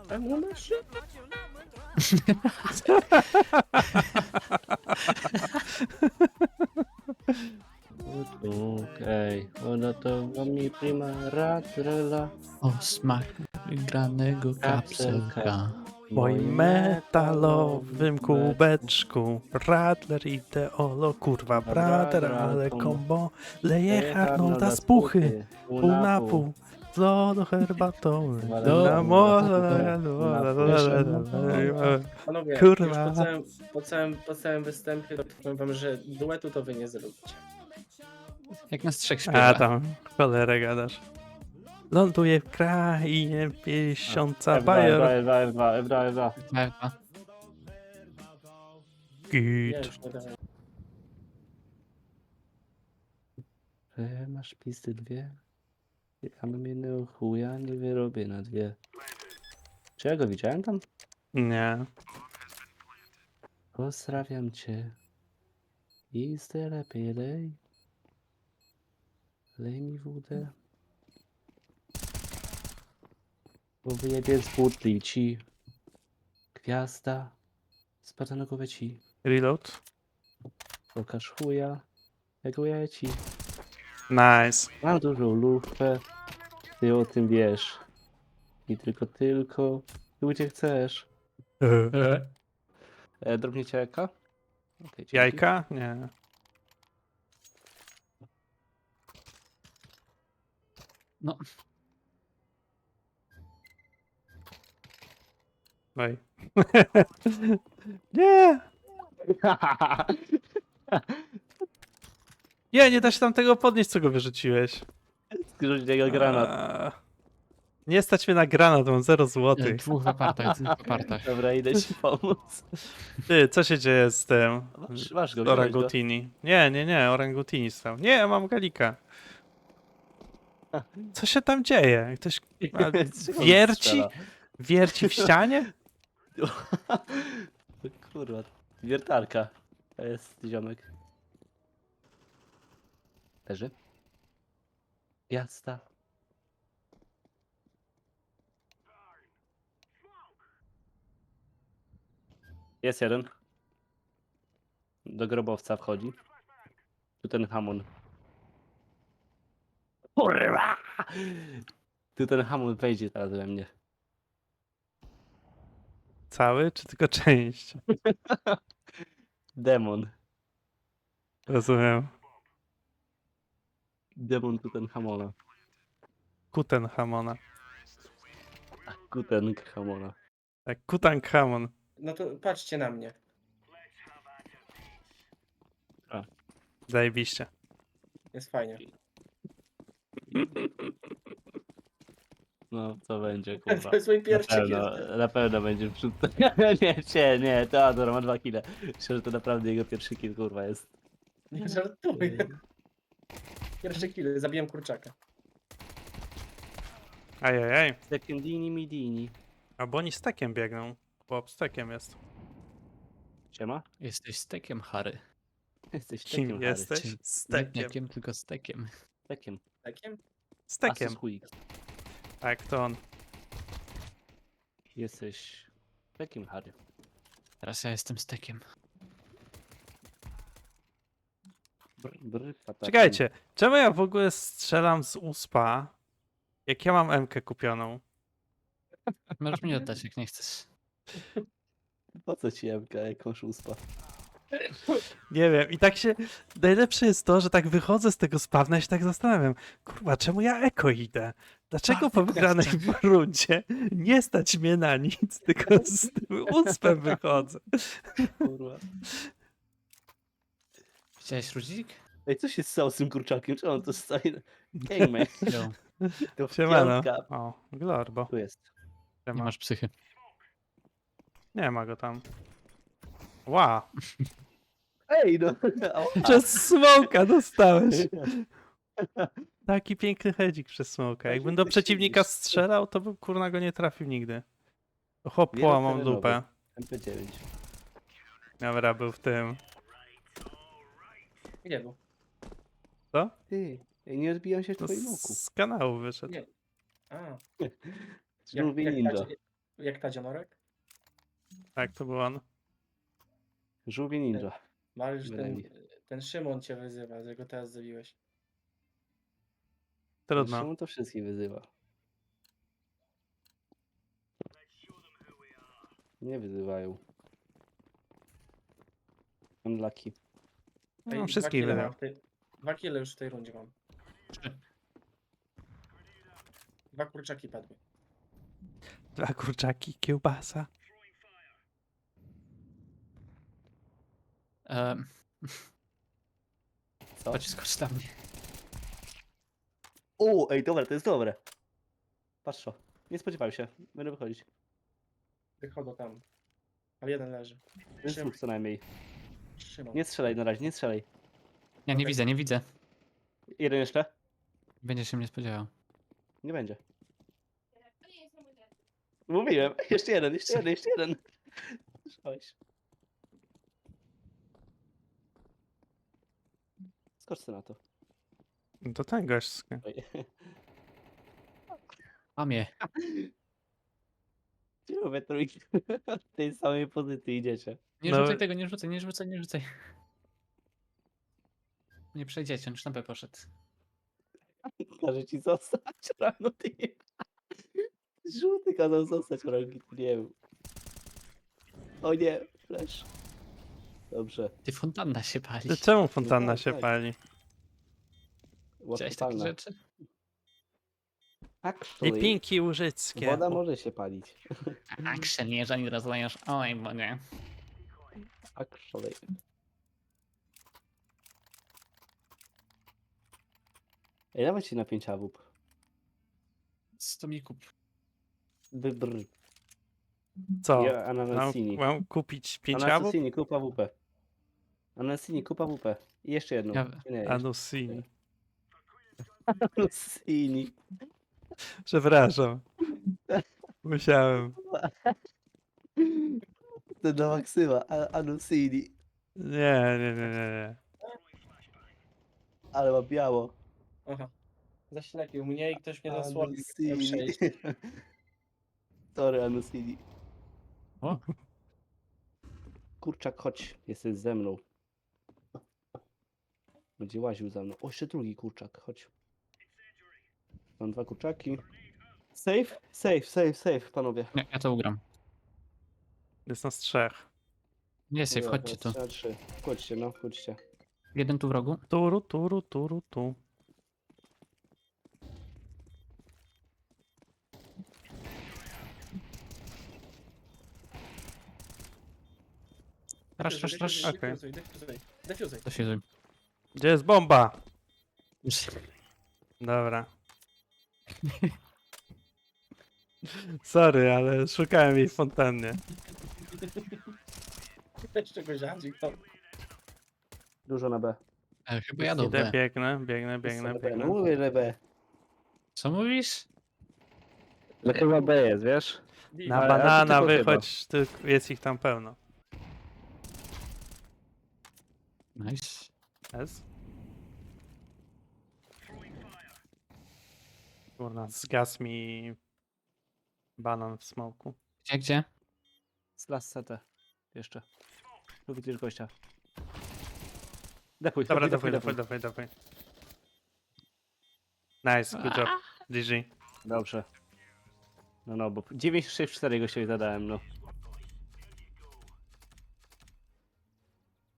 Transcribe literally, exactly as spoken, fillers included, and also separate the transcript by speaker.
Speaker 1: Ammunition. Okej, ona to mi prima ratrela.
Speaker 2: O smak granego
Speaker 1: Kapselka.
Speaker 2: kapselka.
Speaker 3: W moim metalowym kubeczku Radler i Teolo, kurwa brater, ale kombo leje Arnolda z puchy, pół na pół, z lodu herbatą,
Speaker 1: Do-
Speaker 3: na morze,
Speaker 1: Panowie,
Speaker 3: Kurwa.
Speaker 1: już po całym, po, całym, po całym występie to powiem wam, że duetu to wy nie zrobicie.
Speaker 2: Jak nas trzech
Speaker 3: A
Speaker 2: śpiewa.
Speaker 3: tam, cholerę gadasz. Ląduje w krainie piesiąca
Speaker 1: F dwa,
Speaker 3: bajer.
Speaker 1: F dwa, F dwa, F dwa, F dwa.
Speaker 2: Ewa.
Speaker 1: Nie,
Speaker 3: Git.
Speaker 1: już nie dawaj. E, masz pisty dwie? Ja bym jednego chuja nie wyrobię na dwie. Czy ja go widziałem tam?
Speaker 3: Nie.
Speaker 1: Pozdrawiam cię. I z lepiej lej. Lej mi wódę. Bo wyjebie z butli ci. Gwiazda. Spada na głowę ci.
Speaker 3: Reload.
Speaker 1: Pokaż chuja. Jak ja ci.
Speaker 3: Nice.
Speaker 1: Mam dużą lufę. Ty o tym wiesz. I tylko, tylko. Tu gdzie chcesz. E, drobniecie jajka? Okay, dzięki.
Speaker 3: Jajka? Nie.
Speaker 2: No,
Speaker 3: Oj. Nie! Nie, nie da się tam tego podnieść, co go wyrzuciłeś.
Speaker 1: Zrzuć niego granat.
Speaker 3: Eee, Nie stać mnie na granat, mam zero
Speaker 2: e,
Speaker 3: złotych.
Speaker 2: dwóch w apartach, dwóch w apartach.
Speaker 1: Dobra, idę ci pomóc.
Speaker 3: Ty, co się dzieje z tym?
Speaker 1: Masz, masz go,
Speaker 3: Z
Speaker 1: wziąłeś go.
Speaker 3: orangutini. Nie, nie, nie, orangutini stał. Nie, mam galika. Co się tam dzieje? Ktoś a,
Speaker 1: Czego on
Speaker 3: wierci?
Speaker 1: strzela?
Speaker 3: Wierci w ścianie?
Speaker 1: Kurwa, wiertarka. To jest ziomek. Leży? Jazda. Jest jeden. Do grobowca wchodzi. Tu ten hamon. Kurwa! Tu ten hamon wejdzie teraz we mnie.
Speaker 3: Cały, czy tylko część?
Speaker 1: Demon.
Speaker 3: Rozumiem.
Speaker 1: Demon tu ten hamona.
Speaker 3: Kuten Hamona.
Speaker 1: Kuten hamona.
Speaker 3: Tak, Kutankamon.
Speaker 1: No to patrzcie na mnie.
Speaker 3: Zajebiście.
Speaker 1: Jest fajnie. No, co będzie, kurwa.
Speaker 4: To jest mój
Speaker 1: Na
Speaker 4: pierwszy
Speaker 1: pewno,
Speaker 4: kill.
Speaker 1: na pewno będzie wrzut. Nie, nie, nie, Teodor ma dwa kile. Myślę, że to naprawdę jego pierwszy kill, kurwa, jest.
Speaker 4: Nie żartuję. Pierwszy kill, zabiłem kurczaka.
Speaker 3: Ajajaj.
Speaker 1: Sekundini midini.
Speaker 3: Albo oni stekiem biegną. Chłop stekiem jest.
Speaker 1: Siema?
Speaker 2: Jesteś stekiem, Harry.
Speaker 1: Jesteś
Speaker 3: Kim
Speaker 1: tekiem,
Speaker 3: jesteś?
Speaker 2: Czy- Nie
Speaker 3: Stekiem.
Speaker 2: jakiem, tylko stekiem.
Speaker 1: Tekiem.
Speaker 4: Takiem?
Speaker 3: Stekiem.
Speaker 1: Asus Quick.
Speaker 3: Tak, to on.
Speaker 1: Jesteś tekiem, Harry.
Speaker 2: Teraz ja jestem stekiem.
Speaker 1: Br, br, patakiem.
Speaker 3: Czekajcie, czemu ja w ogóle strzelam z uspa, jak ja mam M-kę kupioną?
Speaker 2: Możesz mi oddać, jak nie chcesz.
Speaker 1: Po co ci jemka, jakąś uspa?
Speaker 3: Nie wiem, i tak się... Najlepsze jest to, że tak wychodzę z tego spawna i się tak zastanawiam, kurwa, czemu ja eko idę? Dlaczego po wygranej rundzie nie stać mnie na nic, tylko z tym uspem wychodzę?
Speaker 1: Kurwa.
Speaker 2: Widziałeś Rudzik?
Speaker 1: Ej, co się stało z tym kurczakiem? Czemu on to stoi? Game,
Speaker 2: Jo,
Speaker 1: to
Speaker 3: Siemano.
Speaker 1: piątka.
Speaker 3: O, Glorbo.
Speaker 1: Tu jest.
Speaker 2: nie
Speaker 3: Siema.
Speaker 2: masz psychy.
Speaker 3: Nie ma go tam. Wow.
Speaker 1: Ej, no. Ała.
Speaker 3: Przez smoka dostałeś. Taki piękny hedzik przez smoka. Jakbym do
Speaker 1: ty
Speaker 3: przeciwnika
Speaker 1: siedzisz.
Speaker 3: strzelał, to bym kurna go nie trafił nigdy. Hop,
Speaker 1: Wielo
Speaker 3: połamał
Speaker 1: terenowy.
Speaker 3: dupę.
Speaker 1: M P dziewięć.
Speaker 3: Dobra, był w tym.
Speaker 4: Gdzie był?
Speaker 3: Co?
Speaker 1: Ty, ej, nie odbijam się w
Speaker 3: No
Speaker 1: twoim oku.
Speaker 3: z kanału wyszedł.
Speaker 4: Nie. A.
Speaker 1: Żółwi ninja.
Speaker 4: gracie, Jak Tadzionorek?
Speaker 3: Tak, to był on.
Speaker 1: Żółwie ninja.
Speaker 4: Mariusz, ten,
Speaker 1: Wylewi.
Speaker 4: ten Szymon cię wyzywa, że go teraz zabiłeś.
Speaker 3: Trudno.
Speaker 1: Szymon to wszystkich wyzywa. Nie wyzywają. Unlucky.
Speaker 3: No,
Speaker 4: Ej,
Speaker 3: wszystkich
Speaker 4: dwa kile
Speaker 3: wygrał.
Speaker 4: mam w tej, Dwa kile już w tej rundzie mam.
Speaker 2: Trzy.
Speaker 4: Dwa kurczaki padły.
Speaker 3: Dwa kurczaki, kiełbasa.
Speaker 2: Um,
Speaker 1: Co?
Speaker 2: chodź, skocz dla mnie.
Speaker 1: O, ej, dobra, to jest dobre. Patrz to. Nie spodziewałem się. Będę wychodzić.
Speaker 4: Wychodzą tam. Ale jeden leży.
Speaker 1: To jest
Speaker 4: Szym-
Speaker 1: dwóch co najmniej.
Speaker 4: Szymon.
Speaker 1: Nie strzelaj na razie, nie strzelaj.
Speaker 2: Ja nie widzę, nie widzę.
Speaker 1: Jeden jeszcze?
Speaker 2: Będzie się mnie spodziewał.
Speaker 1: Nie będzie. Mówiłem. Jeszcze jeden, jeszcze jeden, jeszcze jeden. Słyszałeś. Skocz sobie na to.
Speaker 3: No to ten gość.
Speaker 1: Oj.
Speaker 2: Mamie.
Speaker 1: Czemu we trójki w tej samej pozycji idziecie?
Speaker 2: Nie
Speaker 3: No-
Speaker 2: rzucaj tego, nie rzucaj, nie rzucaj, nie rzucaj. Nie przejdziecie, on już na B poszedł.
Speaker 1: Każe ci zostać rano ty. Żółty kazał zostać rangi, nie wiem. O nie, flash. Dobrze.
Speaker 2: Ty, fontanna się pali.
Speaker 3: To czemu fontanna
Speaker 1: tak,
Speaker 3: się
Speaker 1: tak.
Speaker 3: pali?
Speaker 2: Widziałeś takie
Speaker 1: Łatwopalna.
Speaker 2: rzeczy?
Speaker 1: Actually,
Speaker 3: Lipinki łużyckie.
Speaker 1: woda może się palić.
Speaker 2: Action, jeżeli rozlejesz olej w wodzie.
Speaker 1: Actually. Ej, dawaj ci na pięć awup.
Speaker 2: Co mi kup?
Speaker 1: Brr.
Speaker 3: Co?
Speaker 1: Ja
Speaker 3: Mam,
Speaker 1: ananasini.
Speaker 3: mam kupić pięć awów?
Speaker 1: Ananasini, kup awupę. Ananasini, kup awupę. I jeszcze jedną.
Speaker 2: Ja-
Speaker 1: Nie, jeszcze.
Speaker 3: Anusini.
Speaker 1: Ananasini.
Speaker 3: Przepraszam. Musiałem.
Speaker 1: To do maksyma. a- Anusini.
Speaker 3: Nie, nie, nie, nie, nie.
Speaker 1: Ale ma biało.
Speaker 4: Aha. Zaślepił mnie i ktoś mnie zasłonił.
Speaker 1: Anusini.
Speaker 4: Przejść.
Speaker 1: Sorry, Anusini.
Speaker 2: O,
Speaker 1: Kurczak, chodź. Jesteś ze mną. Będzie łaził za mną. O, jeszcze drugi kurczak. Chodź. Mam dwa kurczaki. Safe? Safe, safe, safe, panowie.
Speaker 2: nie, ja to ugram.
Speaker 3: Jest nas trzech.
Speaker 2: Nie, safe,
Speaker 1: Dobra,
Speaker 2: chodźcie tu.
Speaker 1: teraz trzy na trzy. Chodźcie, no, chodźcie.
Speaker 2: Jeden tu w rogu.
Speaker 3: Turu, turu, turu, tu.
Speaker 2: Rasz, rasz, rasz.
Speaker 3: Okej.
Speaker 4: Defuzuj, defuzuj, defuzuj.
Speaker 2: To się zrobi.
Speaker 3: Gdzie jest bomba? Dobra. Sorry, ale szukałem jej w fontannie.
Speaker 4: Jeszcze go ziadzi, to.
Speaker 1: Dużo na B.
Speaker 2: E, chyba jadą
Speaker 3: Idę,
Speaker 2: B.
Speaker 3: biegnę, biegnę,
Speaker 1: Wszyscy
Speaker 3: biegnę,
Speaker 1: na B. No
Speaker 3: biegnę.
Speaker 1: mówię, że B.
Speaker 2: Co mówisz?
Speaker 1: No chyba B jest, wiesz?
Speaker 3: Na
Speaker 1: Ale- ale to
Speaker 3: banana
Speaker 1: tylko
Speaker 3: wychodź, tylko jest ich tam pełno.
Speaker 2: Nice.
Speaker 3: Jest? Kurna, zgasł mi banan w smoku.
Speaker 2: Gdzie, gdzie?
Speaker 1: Z las C T. Jeszcze. Tu widzisz gościa. Defuj,
Speaker 3: Dobra,
Speaker 1: defuj,
Speaker 3: dawaj, dawaj, dawaj, dawaj. Nice, good job. G G.
Speaker 1: Dobrze. No no, bo dziewięć sześć cztery gościowi zadałem, no.